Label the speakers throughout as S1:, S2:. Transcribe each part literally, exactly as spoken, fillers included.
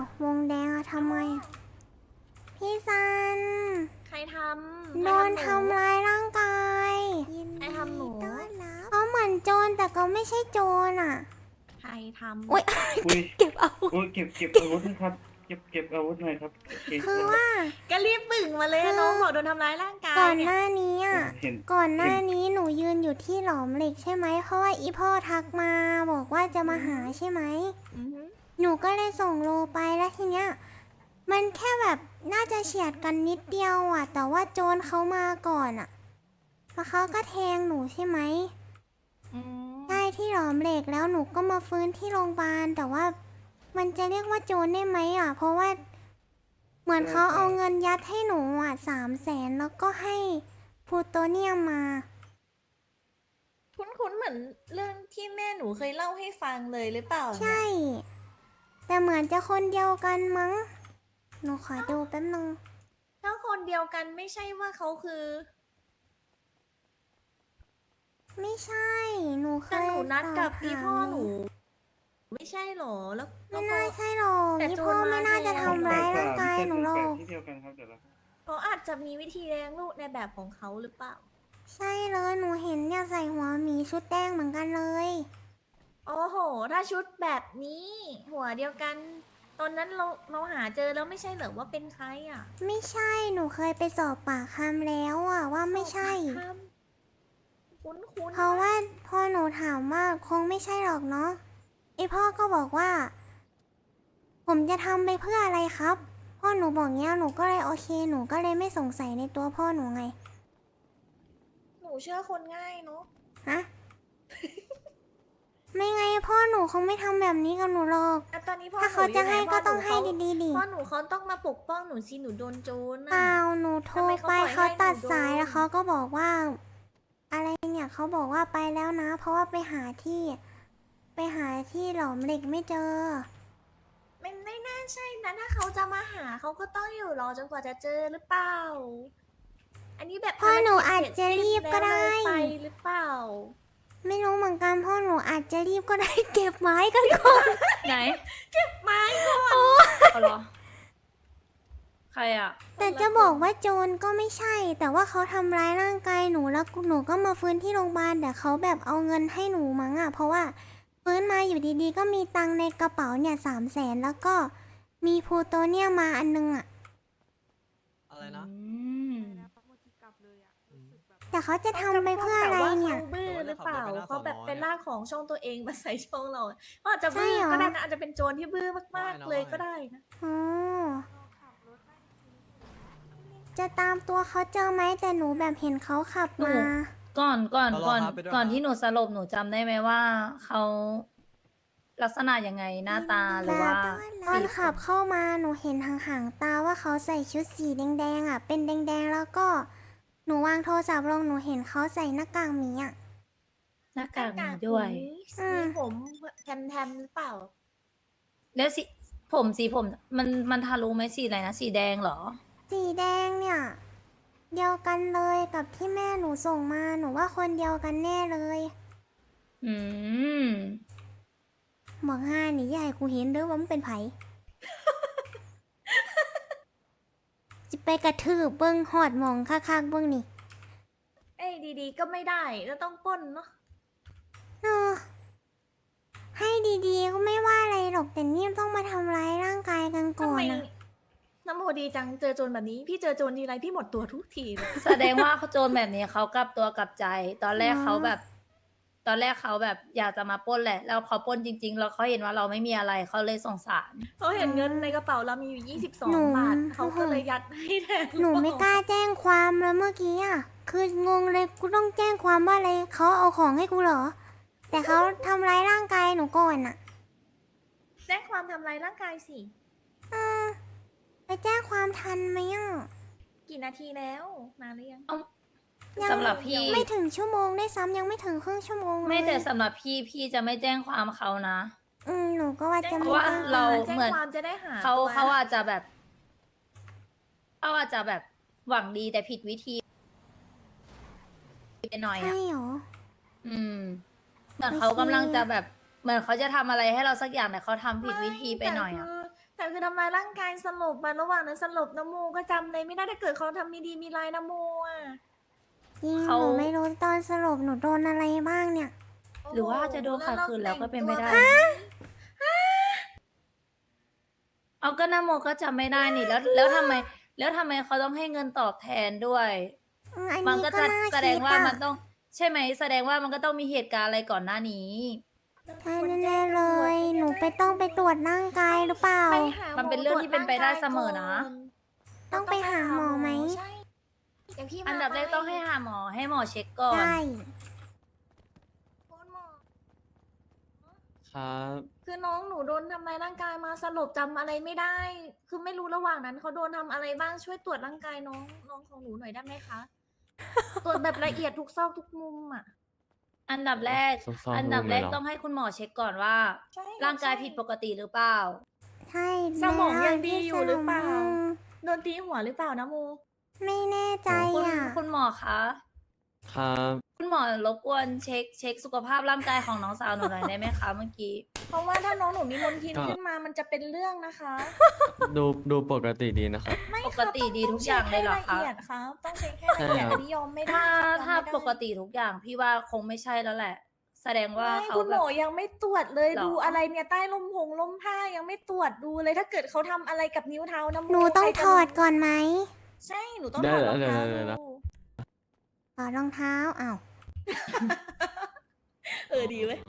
S1: วงแดงอะทำไมอะพี่ซัน
S2: ใครทำ
S1: โดนทำร้ายร่างกาย
S2: ใครทำหนู
S1: เขาเหมือนโจรแต่ก็ไม่ใช่โจรอะ
S2: ใครทำ
S1: อุ้ย
S3: อุ้ย
S1: เก็บอาวุธ
S3: อุ้ยเก็บเก็บอาวุธนะครับ เก็บเก็บอาวุธหน่อยครับโอเค
S1: คือว่า
S2: ก็รีบบึ่งมาเลย
S1: คือ
S2: น้องบอกโดนทำร้ายร่างกาย
S1: ก่อน
S2: เนี่
S1: ห
S2: ย
S1: น้านี้
S3: โอ้
S1: อ่ะ
S3: เห็น
S1: ก่อนหน้า
S3: เห็น
S1: นี้หนูยืนอยู่ที่หลอมเหล็กใช่ไหม เพราะว่าอีพ่อทักมาบอกว่าจะมาหาใช่ไหม
S2: อือหือ
S1: หนูก็เลยส่งโลไปแล้วทีเนี้ย มันแค่แบบน่าจะเฉียดกันนิดเดียวอ่ะ แต่ว่าโจรเขามาก่อนอ่ะแล้วเขาก็แทงหนูใช่ไหม
S2: อืม
S1: ใช่ที่หลอมเหล็กแล้วหนูก็มาฟื้นที่โรงพยาบาลแต่ว่ามันจะเรียกว่าโจรได้ไหมอ่ะ เพราะว่าเหมือนเขาเอาเงินยัดให้หนูอ่ะสามแสนแล้วก็ให้พลูโตเนียมมา
S2: คุ้นๆเหมือนเรื่องที่แม่หนูเคยเล่าให้ฟังเลยหรือเปล่าเนี่ย
S1: ใช่ แต่เหมือนจะคนเดียวกันมั้ง หนูขอดูแป๊บนึง
S2: ถ้าคนเดียวกันไม่ใช่ว่าเขาคือ
S1: ไม่ใช่ หนูเค
S2: แต่
S1: ย
S2: หนูนัดกับ
S1: สบ
S2: อี
S1: ถาม
S2: พ่อหนู ไม่ใช่หรอ แล้วแล้
S1: ไม่
S2: ว
S1: น่า
S2: ก็
S1: ใช่หรอก
S2: แต่
S1: อี
S2: โจร
S1: พ่อ
S2: มา
S1: ไม่น่าจะ
S2: แทน
S1: ทำร้ายร่างกาย
S3: เจ็ด
S1: หนูหร
S3: แป
S1: อ
S3: ด
S1: ก
S3: ที่เดียวกันครับเดี๋ยวเรา
S2: เขาอาจจะมีวิธีเลี้ยงลูกในแบบของเขาหรือเปล่า
S1: ใช่เลย หนูเห็นเนี่ยใส่หัวหมีชุดแดงเหมือนกันเลย
S2: โอ้โห ถ้าชุดแบบนี้ หัวเดียวกัน ตอนนั้นเราเราหาเจอแล้วไม่ใช่เหรอว่าเป็นใครอ่ะ
S1: ไม่ใช่ หนูเคยไปสอบปากคำแล้วอะว่าไม่ใช่
S2: สอบปากคำคุ้นๆ
S1: เพราะว่าพอหนูถามว่าคงไม่ใช่หรอกเนาะไอพ่อก็บอกว่า ผมจะทำไปเพื่ออะไรครับ พ่อหนูบอกเงี้ยหนูก็เลยโอเค หนูก็เลยไม่สงสัยในตัวพ่อหนูไง
S2: หนูเชื่อคนง่ายเนาะ
S1: ฮะ ไม่ไงพ่อหนูคงไม่ทำแบบนี้กับหนูหรอก
S2: แต่ตอนนี้พ่อ
S1: ถ้าเขาจะให้
S2: นูยู่ไน
S1: ก็ต้อง
S2: พ่
S1: ให้
S2: นู
S1: ดีๆดิ
S2: พ่อหนูเขาต้องมาปกป้องหนูสิหนูโดนโจร
S1: เป
S2: น่ะ
S1: ล่าหนูโทร
S2: ทำไมเขา
S1: ไป
S2: ปล่อยให้
S1: เขาตัด
S2: หนูโดน
S1: สายแล้วเขาก็บอกว่า อะไรเนี่ยเขาบอกว่าไปแล้วนะ เพราะว่าไปหาที่ ไปหาที่หลอมเหล็กไม่เจอ
S2: มันไม่น่าใช่นะถ้าเขาจะมาหาเขาก็ต้องอยู่รอจนกว่าจะเจอหรือเปล่า อันนี้แบบ
S1: พ่อหนูอาจ
S2: ภรกิ
S1: จะรีบก็ได้
S2: เสร็จสิ้นแล้วเลยไปหรือเปล่า
S1: ไม่รู้เหมือนกันพ่อหนูอาจจะรีบก็ได้ เก็บไม้กันก่อน
S4: ไหน
S2: ไม้ก่อน
S4: เอาเหรอ ใครอ่ะ
S1: แต่จะบอกว่าโจรก็ไม่ใช่ แต่ว่าเขาทำร้ายร่างกายหนูแล้วหนูก็มาฟื้นที่โรงพยาบาลแต่เขาแบบเอาเงินให้หนูมั้งอ่ะ เพราะว่าฟื้นมาอยู่ดีๆ ก็มีตังค์ในกระเป๋าเนี่ยสามแสนแล้วก็มีพลูโตเนียมมาอันนึงอ่ะ
S5: อะไรนะ
S4: อืม
S1: แต่เขาจะทำไปเพื่ออะไรเนี่ย
S2: ขาบื้อหรือเปล่า
S5: แต่ว่า
S2: เขาแบบ
S5: เขา
S2: เป็น
S5: ขับรถไปหน้า
S2: ลากของช่องตัวเองมาใส่ช่องเราเขาอาจจะบื้อ
S1: ใช่เหรอ
S2: ก็ได้นะอาจจะเป็นโจรที่บื้อมาก
S5: ไม่นะ
S2: ๆเลย
S5: ไม่
S2: ก็ได้นะ
S1: อ๋อจะตามตัวเขาเจอไหมแต่หนูแบบเห็นเขาขับ
S4: หนู
S1: มา
S4: ก่อนก่อน
S5: เอารอ
S4: ก่อน
S5: ครับไปด้วย
S4: ก่อน
S5: ครับ
S4: ที่หนูสลบหนูจำได้ไหมว่าเขาลักษณะยังไงหน้าตาหรือว่า
S1: ตอน
S4: สี
S1: ขับเข้ามาหนูเห็นห่างๆตาว่าเขาใส่ชุดสีแดงๆอ่ะ เป็นแดงๆแล้วก็หนูวางโทรศัพท์ลงหนูเห็นเขาใส่หน้ากากหมีอ่ะ
S4: หน้ากากมีด้วย
S1: อืม
S2: มีผมแทมๆหรือเปล่า
S4: แล้วสีผมสีผมมันมันทะลุไหมสีอะไรนะ สีแดงเหรอ
S1: สีแดงเนี่ย เดียวกันเลยกับที่แม่หนูส่งมาหนูว่าคนเดียวกันแน่เลย
S4: อืม
S1: บอกห้านี่ยายกูเห็นเด้อว่ามันเป็นไผ จะไปกระทืบเบิ้งหอดหมองคักๆเบิ้งนี่
S2: เอ้ยดีๆ ก็ไม่ได้ก็ต้องปล้นเนาะ
S1: เออให้ดีๆก็ไม่ว่าอะไรหรอกแต่นี่ต้องมาทำร้ายร่างกายกันก่
S2: ทำ
S1: อน
S2: ไม
S1: นะ
S2: น้ำโมดีจังเจอโจรแบบนี้ พี่เจอโจรทีไรพี่หมดตัวทุกทีเลย
S4: แสดงว่าเขาโจรแบบนี้เขากลับตัวกลับใจ ตอนแรกเขาแบบ ตอนแรกเขาแบบอยากจะมาปล้นแหละ แล้วเขาปล้นจริง ๆ แล้วเขาเห็นว่าเราไม่มีอะไรเขาเลยสงสาร
S2: เขาเห็นเงินในกระเป๋าเรามีอยู่ยี่สิบสอง
S1: หนู
S2: บาทเขาก็เลยยัดให้แทน
S1: หนูไม่กล้าแจ้งความแล้วเมื่อกี้อ่ะ คืองงเลยกูต้องแจ้งความว่าอะไรเขาเอาของให้กูเหรอ แต่เขาทำร้ายร่างกายหนูก่อนอ่ะ
S2: แจ้งความทำลายร่างกายสิ
S1: อืมไปแจ้งความทันไหมอ่ะ
S2: กี่นาทีแล้วนานหรือยัง
S1: ยัง
S4: สำหรับพี่
S1: ไม่ถึงชั่วโมงได้วยซ้ำยังไม่ถึงครึ่งชั่วโมงเลย
S4: ไม่แต่สำหรับพี่พี่จะไม่แจ้งความเขานะ
S1: อืมหนูก็ว่าจะ
S4: เพ
S1: ไม่
S4: ราะว่า
S1: แจ้ง
S4: เรา
S2: แจ้ง
S4: เหมือน
S2: ความจะได้หา
S4: เขา
S2: ตัว
S4: เขาอาจจะแบบเขาอาจจะแบบหวังดีแต่ผิดวิธีไปหน่อย
S1: ใช่
S4: อ่ะ
S1: เหรอ
S4: อืมเหมือน
S1: โอเค
S4: เขากำลังจะแบบ เหมือนเขาจะทำอะไรให้เราสักอย่างแต่เขาทำผิดวิธีไปหน่อยอ่ะ
S2: แต่คือแต่คือทำลายร่างกายสลบมาระหว่างนั้นสลบนะโมก็จำเลยไม่ได้ถ้าเกิดเขาทำมีดีมีลายนะโมอ่ะ
S1: จริง
S4: เขา
S1: หนูไม่รู้ตอนสรุปหนูโดนอะไรบ้างเนี่ย
S4: หรือว่าจะโดนขัดขืนแล้วก็เป็นไปได้ เอาก็นาโมก็จำไม่ได้นี่แล้วแล้วทำไม แล้วทำไมเขาต้องให้เงินตอบแทนด้วย
S1: อืมอัน
S4: มัน
S1: นี้
S4: ก็
S1: ก็
S4: จะ
S1: น่า
S4: แสด
S1: คิ
S4: ง
S1: ด
S4: ว่า
S1: อะ
S4: มันต้องใช่ไหมแสดงว่ามันก็ต้องมีเหตุการณ์อะไรก่อนหน้านี้
S1: ใช่แน่ๆเลย หนูไปต้องไปตรวจร่างกายหรือเปล่า
S2: ไปหาห
S4: มันเป็นเรื่องที่เป็นไปได้เสมอนะ
S1: ต้องไปหาหมอไหม
S2: ใช่เดี๋ยวพี่มา
S4: อันดับแรกต้องให้หาหมอให้หมอเช็คก่อน
S1: ใช่
S2: คุณหมอ
S5: ครับ
S2: คือน้องหนูโดนทำร้ายร่างกายมาสลบจำอะไรไม่ได้ คือไม่รู้ระหว่างนั้นเขาโดนทำอะไรบ้างช่วยตรวจร่างกายน้องน้องของหนูหน่อยได้ไหมคะ ตรวจแบบละเอียดทุกซอกทุกมุมอ่ะ
S4: อันดับแรก
S5: ซอกๆ
S4: อันดับแรก
S5: มุมเลยเหรอ
S4: ต้องให้คุณหมอเช็คก่อนว่า
S2: ใช่
S4: ร่างกายผิดปกติหรือเปล่า
S1: ใช่
S2: สมอง
S1: แล้ว
S2: ยังดีอยู่หรือเปล่า
S1: ที่สมอง
S2: โดนตีหัวหรือเปล่านะโม
S1: ไม่แน่ใจ
S4: คุณ
S1: อ่ะ
S4: คุณหมอคะ
S5: ครับ
S4: คุณหมอรบกวนเช็คเช็คสุขภาพร่างกายของน้องสาวหนูหน่อยได้ไหมคะเมื่อกี้
S2: เพราะว่าถ้าน้องหนูมีมลทินขึ้นมามันจะเป็นเรื่องนะคะ
S5: ดูดูปกติดีนะครับ
S2: ไม่
S4: ปกติดีทุกอย่างเลยเหรอคะ
S2: ต้องเช็คให้ละเอียดครับต้องเช็คให้ละเอียด
S5: ใช่ครับ
S2: อันนี้ยอมไม่ได้
S4: ถ้า
S2: ครับ
S4: ถ้าย
S2: อมไม่ได้
S4: ปกติทุกอย่างพี่ว่าคงไม่ใช่แล้วแหละ แสดงว่า
S2: ไม่
S4: เขา
S2: คุณ
S4: แบ
S2: หม
S4: บ
S2: อยังไม่ตรวจเลย
S4: หรอ
S2: ดูอะไรเนี่ยใต้ลมพงลมผ้ายังไม่ตรวจดูเลยถ้าเกิดเขาทำอะไรกับนิ้วเท้านะโม
S1: หนูต้อง
S2: ใครจะ
S1: ถอดก่อนไหม
S2: ใช่หนูต้อง
S5: ได้
S2: ถอดรองเท้า
S5: ได้ได้ได้
S2: ดู
S1: ถอดรองเท้าอ้าว
S2: เออดีเว้ย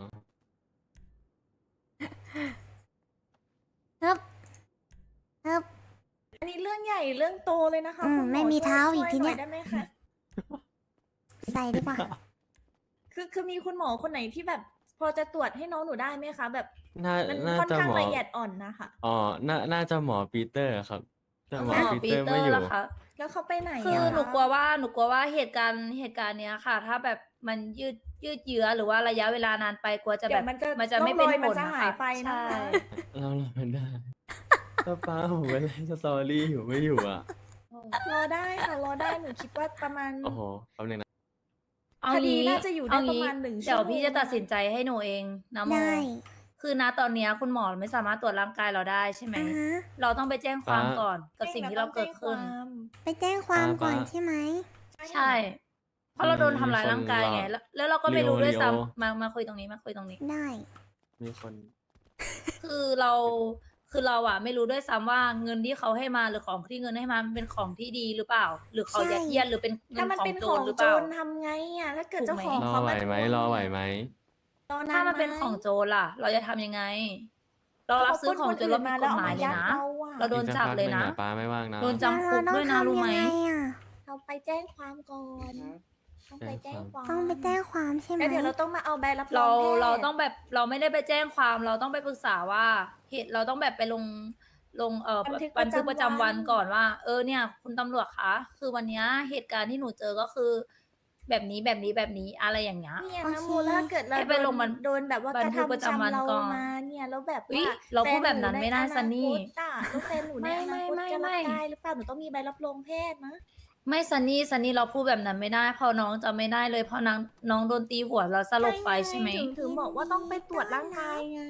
S1: ฮึบฮึบ
S2: อันนี้เรื่องใหญ่เรื่องโตเลยนะคะ
S1: อืม
S2: คุณห
S1: ไม่มีเท้าอีก
S2: ช่วย
S1: ทีเนี้ย
S2: หได้ไหมคะ
S1: ใส่ดีกว่า
S2: คือคือมีคุณหมอคนไหนที่แบบ พอจะตรวจให้น้องหนูได้ไหมคะ แบบ
S5: น่า
S2: มัน
S5: น่า
S2: ค่อน
S5: จะ
S2: ข้าง
S5: หมอ
S2: ละเอียดอ่อนนะคะ
S5: อ๋อ น่า น่าจะหมอปีเตอร์ครับ แต่หมอ
S4: หมอ
S5: ปี
S4: ปี
S5: เตอร์
S4: เตอ
S5: ไม่
S4: ร์
S5: อยู่
S4: ล่ะคะ
S2: แล้วเขาไปไหน
S4: คือ
S2: อะ
S4: หนูกลัวว่าหนูกลัวว่าเหตุการณ์เหตุการณ์เนี้ยค่ะ ถ้าแบบมันยืดยืดเยื้อหรือว่าระยะเวลานานไปกลัวจะ
S2: เดี๋
S4: แบ
S2: ยว
S4: บ
S2: มันจะ
S4: มันจะไม่เป็น
S2: ร่องรอย
S4: ผ
S2: มัน
S4: ล
S2: จะ
S4: นะ
S2: หาย
S4: คะ
S2: ไปนะคะ
S4: ใช่
S5: เราเราไม่ได้ป้าป้าผมไปเล่นสตอรี่อยู่ไม่อยู่อ่ะ
S2: รอได้ค่ะรอได้หนูคิดว่าประมาณ
S5: โอ้โหแป๊บนึงนะ
S4: เอา
S2: คดี
S4: งี้
S2: น่าจะอยู่ได้
S4: เงี้
S2: ประมาณหนึ่ง
S4: เดี๋ยว
S2: ชั่วโมง
S4: พี่จะตัดสินใจให้หนูเองนะโม
S1: ได้
S4: คือณตอนเนี้ยคุณหมอไม่สามารถตรวจร่างกายเราได้ใช่ไหม
S1: อ่าฮะ
S4: เราต้องไปแจ้งความ
S5: ป้า
S4: ก่อนกับสิ่งที่เราเกิดขึ้น
S1: ไปแจ้งความก่อน
S5: ป้า
S1: ใช่ไหม
S4: ใช่ เพราะเราโดนทำร้ายร่างกายไง
S5: มีคน
S4: แล้วแล้วเราก็ไม่รู้ด้วย
S5: ลีโอ
S4: ซ้ำมามาคุยตรงนี้มาคุยตรงนี้
S1: ได้
S5: มีคน
S4: คือเราคือเราอะไม่รู้ด้วยซ้ำว่าเงินที่เขาให้มาหรือของที่เงินให้มามันเป็นของที่ดีหรือเปล่า หรือเขา
S1: ใช่
S4: ยัดเยียดหรือเป็นเงิ
S2: ถ้าน มัน
S4: ของ
S2: เป็น
S4: โจ
S2: ขอ
S4: รง หรือ
S2: โจ
S4: เปล่า
S2: รทำไงอ่ะถ้าเกิด
S4: ถู
S2: เจ้าก
S4: ไหม
S2: ของ
S5: รอ
S2: เขา
S5: ไหว
S2: มา
S5: ไหม
S2: ทวง
S5: รอไหวไหม
S2: รอน
S4: ถ้ามัน
S2: ไห
S4: เป็นของโจรล่ะ เราจะทำยังไง เรารับซื้อของโจรเราผิดกฎหมายเลยนะ เราโดนจับเลยนะ
S5: อีกสักพักหงอป้าไม่ว่างนะ
S4: โดนจำคุกด้วยนะรู้ไหม
S1: แล้วเราต้องทำยังไงอะ
S2: เราไปแจ้งความก่อนต้องไปแจ้งความ
S1: ต้องไปแจ้งความใช่ไหม
S2: แล้วเดี๋ยวเราต้องมาเอาใบรับร
S4: เรา
S2: องแพทย์
S4: เราต้องแบบเราไม่ได้ไปแจ้งความเราต้องไปปรึกษาว่าเหตุเราต้องแบบไปลงลงเอ่อ
S2: บันทึก
S4: บันทึกประจำวัน
S2: ประจำวัน
S4: ก่อนว่า เออเนี่ย คุณตำรวจคะคือวันเนี้ยเหตุการณ์ที่หนูเจอก็คือ แบบนี้แบบนี้แบบนี้อะไรอย่างเงี้ย
S2: เนี่ย
S1: โอ
S2: นะ
S1: เค
S2: โมแล้วถ้าเกิดเรา
S4: ให้ไป
S2: โดน
S4: ลงบัน
S2: โดนแบบว่า
S4: บั
S2: ก
S4: น
S2: ระ
S4: ทึกประ
S2: ทำ
S4: จำวัน
S2: ชำเรา
S4: ก่อน
S2: มาเนี่ยแล้วแบบ
S4: อุ๊ย
S2: ว่า
S4: เราพูดแบบนั้น
S2: ฟ
S4: ไม่ได้
S2: ห
S4: ซันนี่
S2: ใอนาคตอะแล้วแฟนหนูใน
S4: ไม่
S2: อนาคต
S4: ไม่
S2: จะ
S4: ไม่
S2: รับได้หรือเปล่าหนูต้องมีใบรับรองแพทย์นะ
S4: ไม่ซันนี่ซันนี่เราพูดแบบนั้นไม่ได้เพอน้องจะไม่ได้เลยเพราะน้องน้องโดนตีหัวแล้วสลบไปใช่ไหม
S2: ถึงถึงบอกว่าต้องไปตรวจร่างกายไง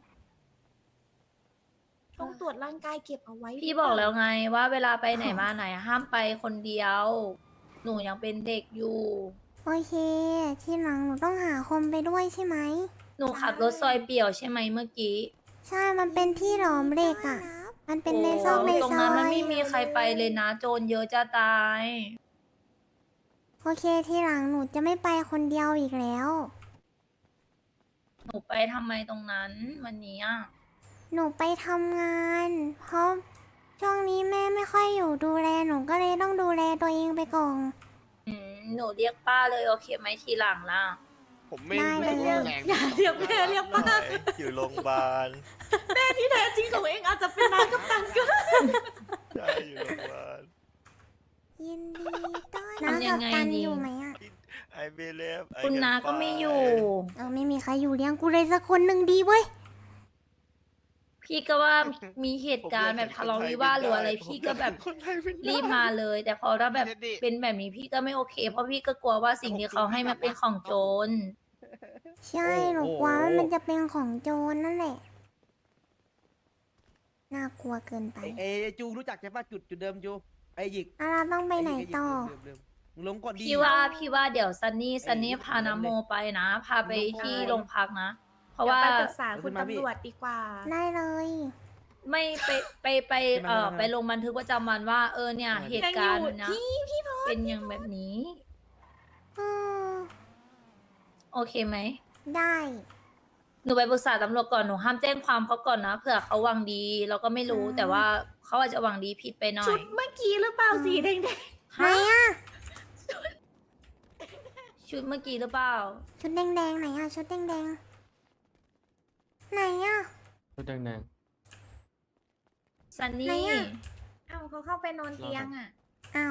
S2: ต้องตรวจร่างกายเก็บเอาไว้
S4: พี่บอกแล้วไงว่าเวลาไปไหนมาไหนห้ามไปคนเดียว หนูยังเป็นเด็กอยู่
S1: โอเค ทีหลังหนูต้องหาคนไปด้วยใช่ไหม
S4: หนูขับรถซอยเปี่ยวใช่ไหมเมื่อกี้
S1: ใช่ มันเป็นที่หลอมเหล็กอ่ะ มันเป็นในซอกใน
S4: ตรง
S1: ซอ
S4: นั้นมัน
S1: ย
S4: ไม่มีใครไปเลยนะ โจรเยอะจะตาย
S1: โอเค ทีหลังหนูจะไม่ไปคนเดียวอีกแล้ว
S4: หนูไปทำไมตรงนั้นวันนี้อะ
S1: หนูไปทำงาน เพราะช่วงนี้แม่ไม่ค่อยอยู่ดูแล หนูก็เลยต้องดูแลตัวเองไปก่อน
S4: อืมหนูเรียกป้าเลยโอเคไหมทีหลังล่ะ
S6: ผมไม่
S1: ได้
S6: รู้สึก
S1: เลย
S6: ว่าแรง
S2: อย่าเรียกแม่เรียกป้า
S6: อยู่โรงพยาบาล
S2: ที่แท้จริงของเองอาจจะเป็นนายกัปตันก็ได้
S6: ใช่อยู่โรงพยาบาล
S1: ยินดีต้อน
S4: ทำยังไง
S1: น้ากับตัน
S4: ดี
S1: อยู่ไหมอ่ะ
S6: I believe I
S4: คุณ
S6: can
S4: นาก็ไม่อยู่
S6: fly
S1: เออไม่มีใครอยู่เลี้ยงกูเลยสักคนหนึ่งดีเว้ย
S4: พี่ก็ว่ามีเหตุการณ์แบบทะเลาะวิวาทหรืออะไรพี่ก็แบบ
S6: คนไทยเป็นได้
S4: รีบมาเลย แต่พอถ้าแบบเป็นแบบนี้พี่ก็ไม่โอเค เพราะพี่ก็กลัวว่าสิ่งที่เขาให้มันเป็นของโจร
S1: ใช่ หนูกลัวว่ามันจะเป็นของโจรนั่นแหละ น่าากลัวเกินไป
S7: ไอ้ไอ้จูรู้จักใช่ปะจุดจุดเดิมจูไอ้หยิก
S1: อ่ะเราต้องไปไหน
S7: อ้ยิก
S1: ต่อ
S7: เดิมเดิมมึงลงก่อนดี
S4: พี่ว่าพี่ว่าเดี๋ยวซันนี่ซันนี่
S7: ไอ้
S4: พานาโมไปนะ พาไป
S7: ลง
S4: ที่
S7: ไป
S4: โรงพักนะ เพราะ
S2: เดี๋ยว
S4: ว่า
S2: ไปปรึกษาคุณ
S7: ขึ้นมาพี่
S2: ตำรวจดีกว่า
S1: ได้เลย
S4: ไม่ไปไปไป
S7: ขึ้นมา
S4: เอ่อ
S7: ขึ้นมา
S4: ไปลงบันทึกประจำวันว่าเออเนี่ย
S7: ขึ้นมา
S4: เหตุการณ์
S2: ยังอยู่
S4: นะ
S2: พี่พี่พอ
S4: เป็นอย่างแบบนี้
S1: อืม
S4: โอเคไหม
S1: ได้
S4: หนูไปปรึกษาตำรวจก่อนหนูห้ามแจ้งความเขาก่อนนะเผื่อเขาหวังดี เราก็ไม่รู้
S1: อืม
S4: แต่ว่าเขาอาจจะหวังดีผิดไปหน่อ
S2: ชุ
S4: ย
S2: ดเมื่อกี้หรือเปล่าสีแดง
S1: ไหน
S4: ฮะ
S1: อ่ะ
S4: ชุดเมื่อกี้หรือเปล่า
S1: ชุดแดงๆไหนอ่ะ ชุดแดงๆไหนอ่ะ
S5: ชุดแดง
S4: ซัน
S1: ไหน
S4: นี่
S1: อะ
S2: ๆเอ้าเขาเข้าไปนอนเตียงอ่ะ
S1: อ้าว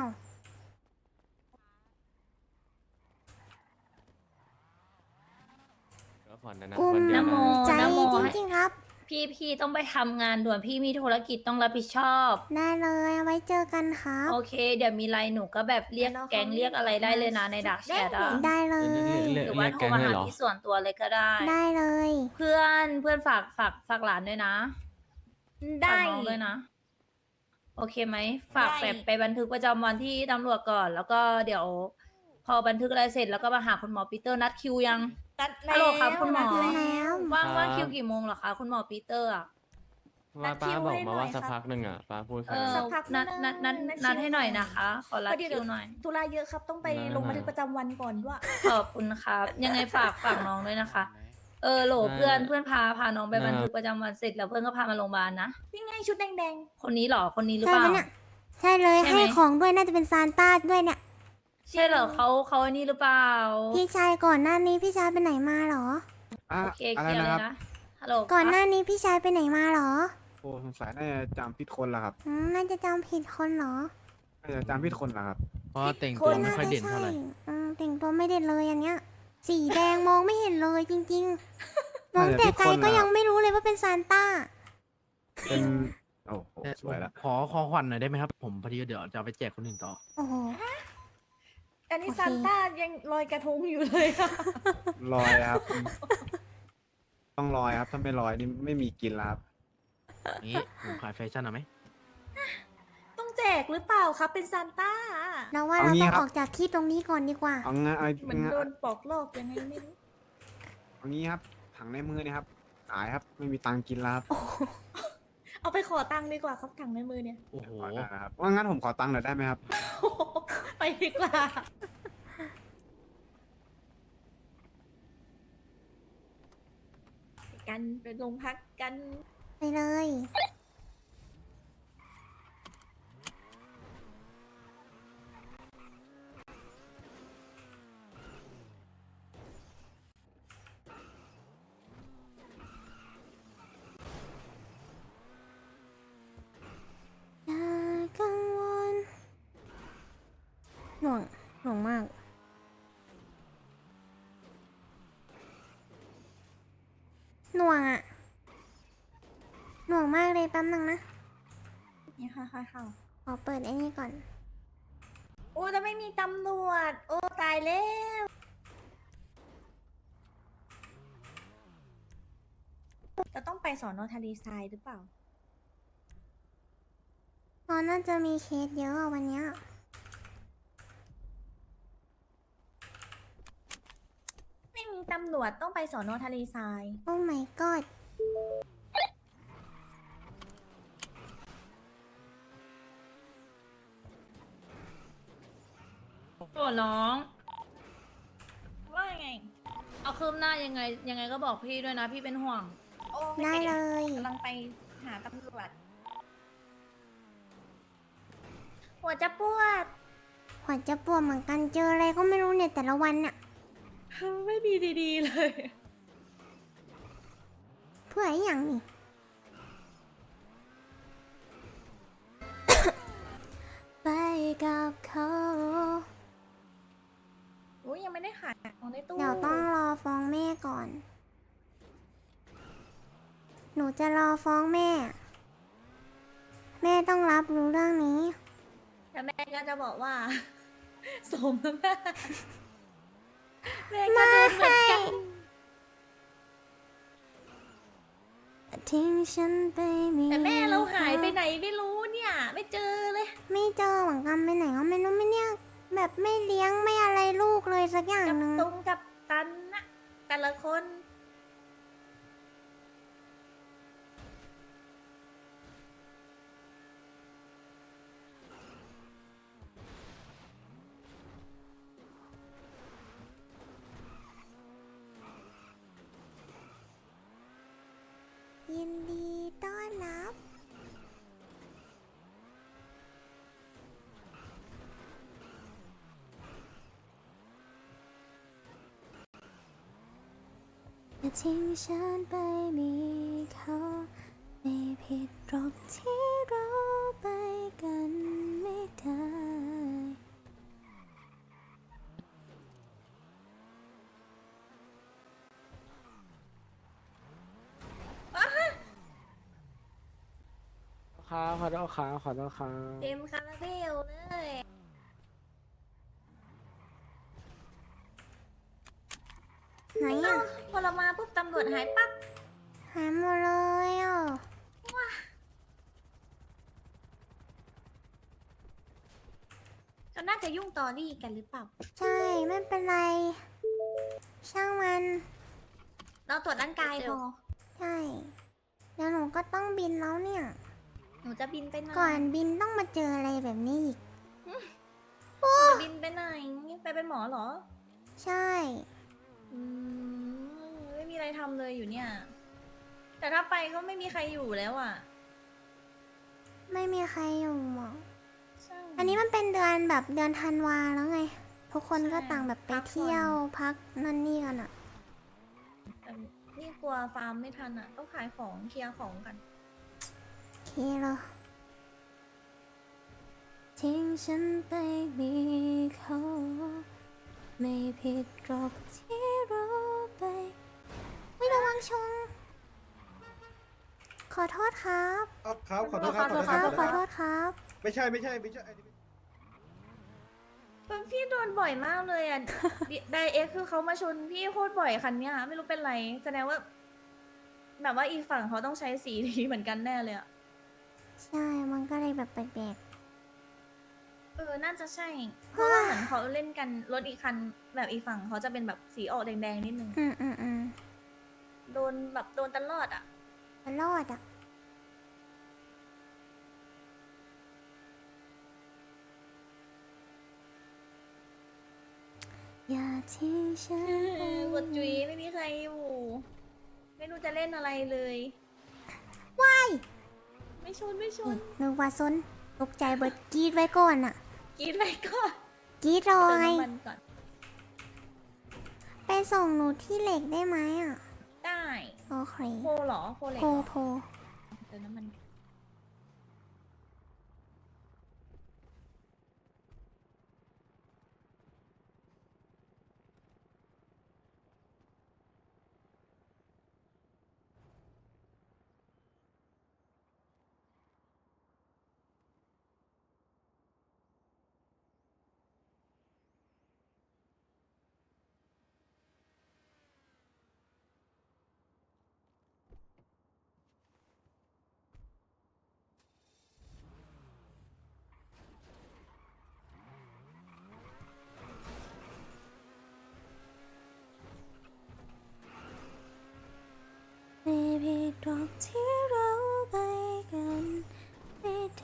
S5: ๆก็ผ่อนนะนะ
S1: กุม
S5: วันเดียว
S4: นะโม
S5: นะ
S1: ใจ
S4: นะโม
S1: จริงๆครับ
S4: พี่พี่ต้องไปทำงานด่วนพี่มีธุรกิจต้องรับผิดชอบ
S1: ได้เลยเอาไว้เจอกันครับ
S4: โอเค เดี๋ยวมีไลน์หนูก็แบบเรียก
S2: เดี๋ยวเรา
S4: แก๊ง
S2: เขา
S4: เรียกอะไรได้เลยนะในดักแชทอะ
S1: ได้เลย
S5: เรียก
S4: หรือ
S5: เรี
S4: ว่าย
S5: ก
S4: โทร
S5: แก๊ง
S4: มา
S5: เลย
S4: หา
S5: เหรอ
S4: ที่ส่วนตัวเลยก็ได้
S1: ได้เลย
S4: เพื่อนเพื่อนฝากฝากฝากหลานด้วยนะ
S2: ได้
S4: ฝากน้องด้วยนะ โอเคไหมฝาก
S2: ได้
S4: แบบไปบันทึกประจำวันที่ตำรวจก่อน แล้วก็เดี๋ยว พอบันทึกอะไรเสร็จแล้วก็มาหาคุณหมอปีเตอร์นัดคิวยัง
S2: นัด
S4: ฮัลโหลครับคุณหมอ
S2: นัด
S1: แล้ว
S4: ว่างว่างคิวกี่โมงเหรอคะคุณหมอปีเตอร์อะ
S5: ว่าป้าบอกมาว่า
S2: นัดคิวให้หน่อย
S5: สัก
S2: ครับ
S5: พักหนึ่งอ่ะป้าพูด
S4: เอ
S5: แค่
S4: อ
S2: สักพัก
S4: นัดนัดนัด
S2: นัด
S4: นัด
S2: คิว
S4: ให้หน่อยนะคะ ขอรัด
S2: พอดี
S4: คิวหน่อย
S2: ธุระเยอะครับต้องไป
S5: ได้
S2: ลงบันทึกประจำวันก่อนด้วย
S4: ขอบคุณครับ ยังไงฝากฝากน้องด้วยนะคะ เออโหลเพื่อนเพื่อนพาพาน้องไปบันทึกประจำวันเสร็จแล้วเพื่อนก็พามาโรงพยาบาลนะ
S2: นี่ไงชุดแดง
S4: คนนี้เหรอคนนี้หรือ
S1: ใช่
S4: เปล่า
S1: ปะเนี่ย ใช่เลย
S4: ใช่ไหม
S1: ให้ของด้วยน่าจะเป็นซานต้าด้วยเนี่ย
S4: ใช่เหรอเขาเขาอันนี้หรือเปล่า
S1: พี่ชายก่อนหน้านี้พี่ชายไปไหนมาเหรอ
S8: อ่ะ
S4: โอเค
S8: อะ
S4: เค
S8: ไร
S4: ลียร์
S8: นะ
S4: เล
S8: ค
S4: ย
S8: รับ
S4: นะฮัลโหล
S1: ก่อนห
S4: ครับ
S1: น้านี้พี่ชายไปไหนมาเหรอ
S8: โอ้สงสัยน่าจะจำผิดคนละครับ
S1: อืมน่าจะจำผิดคนเหรอ
S8: น่าจะจำผิดคนละครับ
S5: เพราะแต่งตัวไม่ค่อยเด่นเท่าไหร่
S1: อืมแต่งตัวไม่เด่นเลยอันเนี้ย สีแดงมองไม่เห็นเลยจริงๆ มองแต่ไกลก็ยังไม่รู้เลยว่าเป็นซานต้า
S8: เป็น โอ้โหสวยละ
S9: ขอขอขวัญหน่อยได้ไหมครับ ผมพอดีเดี๋ยวจะเอาไปแจกคนอื่นต่อ
S1: โอ้โห
S2: ๆ อันนี้
S1: โอเค
S2: ซานต้ายังลอยกระทงอยู่เลยอะ
S8: ลอยครับ ต้องลอยครับ ถ้าไม่ลอยนี่ไม่มีกินแล้วครับ
S9: นี้ผมขายแฟชั่นเอาไหม
S2: ต้องแจกหรือเปล่าครับเป็นซานต้า
S1: เราว่า
S8: เอา
S1: เรา
S8: งี้
S1: ต้อง
S8: ครับ
S1: ออกจากที่ตรงนี้ก่อนดีกว่า
S8: เอางั้นเอา
S2: เหมือน
S8: งั้น
S2: โดนปอกลอกยังไงไม่รู้
S8: เอางี้ครับ ถังในมือเนี่ยครับ ขายครับ ไม่มีตังค์กินแล้วครับ
S2: เอาไปขอตังค์ดีกว่าครับถังในมือเนี่ย
S9: โอ้โห
S8: ขอได้นะครับว่างั้นผมขอตังค์หน่อยได้ไหมครับ
S2: ไปดีกว่า ไปกันไปโรงพักกัน
S1: ไปเลย อย่ากังวลหน่วงหน่วงมาก หน่วงอะหน่วงมากเลยแป๊บนึงนะ
S2: นี่ค่ะค่ะค่ะ
S1: ขอเปิดไอ้นี่ก่อน
S2: โอ้จะไม่มีตำรวจ โอ้ตายแล้ว จะต้องไปสอนอทะเลทรายหรือเปล่า
S1: ตอนน่าจะมีเคสเยอะอะวันเนี้ย
S2: ไม่มีตำรวจต้องไปสอนอทะเลทราย
S1: โอ้ my god
S4: โอ้น้อง
S2: ว่าไง
S4: เอาคืบหน้ายังไง ยังไงก็บอกพี่ด้วยนะ พี่เป็นห่วง
S2: โอ้
S1: ได้เลย
S2: กำลังไปหาตำรวจ หัวจะปวด
S1: หัวจะปวดเหมือนกันเจออะไรก็ไม่รู้เนี่ยแต่ละวันน่ะ
S2: ไม่มีดีๆเลย
S1: เพื่อไอ้อย่างนี่ ไปกับเขา
S2: อุ้ยยังไม่ได้ขายของในตู้
S1: เดี๋ยวต้องรอฟ้องแม่ก่อน หนูจะรอฟ้องแม่ แม่ต้องรับรู้เรื่องนี้
S2: แต่แม่ก็จะบอกว่า สมน้ำหน้าแม่ก็โดนเหมือนกัน
S1: ททิ้งฉันไปมี
S2: แต่แม่เราหายไปไหนไม่รู้เนี่ย ไม่เจอเลย
S1: ไม่เจอเหมือนกันไปไหนก็ไม่รู้ไม่เนี่ยแบบไม่เลี้ยงไม่อะไรลูกเลยสักอย่าง
S2: กับ
S1: หนึ่ง
S2: ตรงกับตันนะแต่ละคน
S1: ยินดีต้อนรับ อย่าทิ้งฉันไปมีเขาไม่ผิดหรอกที่เราไปกันไม่ได้
S5: ครับขอโทษครับขอโทษครับ
S2: เต็มคาราเบลเลย
S1: ไหน
S2: เอ้า
S1: อ่ะ
S2: พอเรามาปุ๊บตำรวจหายปั๊บ
S1: หายหมดเลยอ่ะ
S2: เขาน่าจะยุ่งตอรี่กันหรือเปล่า
S1: ใช่ไม่เป็นไร ช่างมัน
S2: เราตรวจร่างกายพอ
S1: ใช่เดี๋ยวหนูก็ต้องบินแล้วเนี่ย
S2: หนูจะบินไปไหน
S1: ก่อนบินต้องมาเจออะไรแบบนี้อีก
S2: จะบินไปไหน ไปเป็นหมอเหรอ
S1: ใช่
S2: อืมไม่มีอะไรทำเลยอยู่เนี่ย แต่ถ้าไปก็ไม่มีใครอยู่แล้วอ่ะ
S1: ไม่มีใครอยู่หรอก
S2: ใช่
S1: อันนี้มันเป็นเดือนแบบเดือนธันวาแล้วไง ทุกคนก็
S2: ใช่
S1: ต่างแบบไป
S2: พักผ่อน
S1: เที่ยวพักนั่นนี่กันอ่ะ
S2: แต่นี่กลัวฟาร์มไม่ทันอ่ะ ต้องขายของเคลียร์ของกัน
S1: โอเคเลยทิ้งฉันไปมีเขาไม่ผิดหรอกที่เราไปวิระวังชง ขอโทษครับ
S8: ครับขอโทษครับ
S1: ขอโทษครับขอโทษครับ
S8: ไม่ใช่ไม่ใช่ไม่ใช่
S2: พี่โดนบ่อยมากเลยอ่ะ ไดเอ็กคือเขามาชนพี่โคตรบ่อยคันเนี้ยไม่รู้เป็นไร แสดงว่า แบบว่าอีกฝั่งเขาต้องใช้สีนี้เหมือนกันแน่เลยอ่ะ
S1: ใช่ มันก็เลยแบบแปลก
S2: เออ น่าจะใช่ เพราะว่าเหมือนเขาเล่นกันรถอีกคันแบบอีกฝั่งเขาจะเป็นแบบสีออกแดงๆนิดนึง
S1: ๆอืมอืมอืม
S2: โดนแบบโดนตลอดอ่ะ
S1: มันรอดอ่ะ อย่าทิ้งฉันไป
S2: กดจุยไม่มีใครอยู่ ไม่รู้จะเล่นอะไรเลย
S1: ว้าย
S2: ไม่ชนไม่ชน
S1: นึกว่าซนตกใจเบิดกรีดไว้ก่อนอ่ะ
S2: กรีดไปก่อน
S1: กรีดรอ
S2: เติม
S1: ไง
S2: น้ำมันก่อน
S1: ไปส่งหนูที่เหล็กได้ไหมอ่ะ
S2: ได้
S1: โอเค
S2: โพเหรอโพเหล็ก
S1: โพ
S2: เหรอ
S1: โพ
S2: เติมน้ำมัน
S1: ไม่ผิดหรอกที่เราไปกันไม่ได้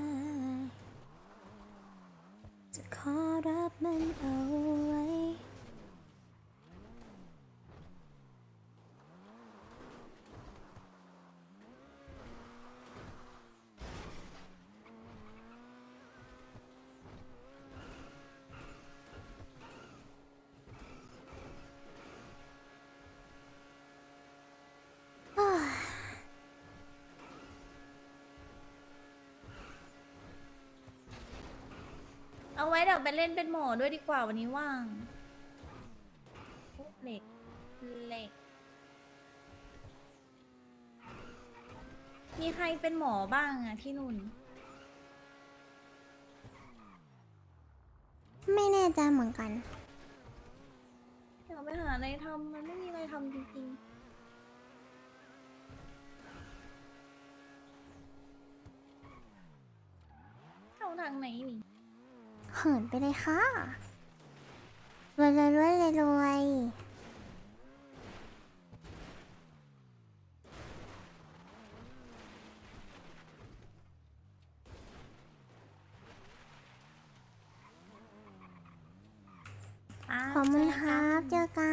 S1: จะขอรับมันเอาไว้
S2: เอาไว้เดี๋ยวไปเล่นเป็นหมอด้วยดีกว่าวันนี้ว่างเหล็กเหล็ก มีใครเป็นหมอบ้างอะที่นู่น
S1: ไม่แน่ใจเหมือนกัน
S2: อยากไปหาอะไรทำมันไม่มีอะไรทำจริงางไหนนี่
S1: เหินไปเลยค่ะรวยรวยรวยรวยรวยขอบคุณครับ เจอกัน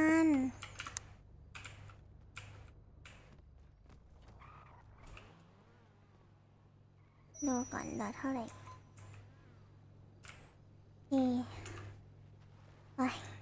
S1: ดูก่อนเหลือเท่าไหร่เอไป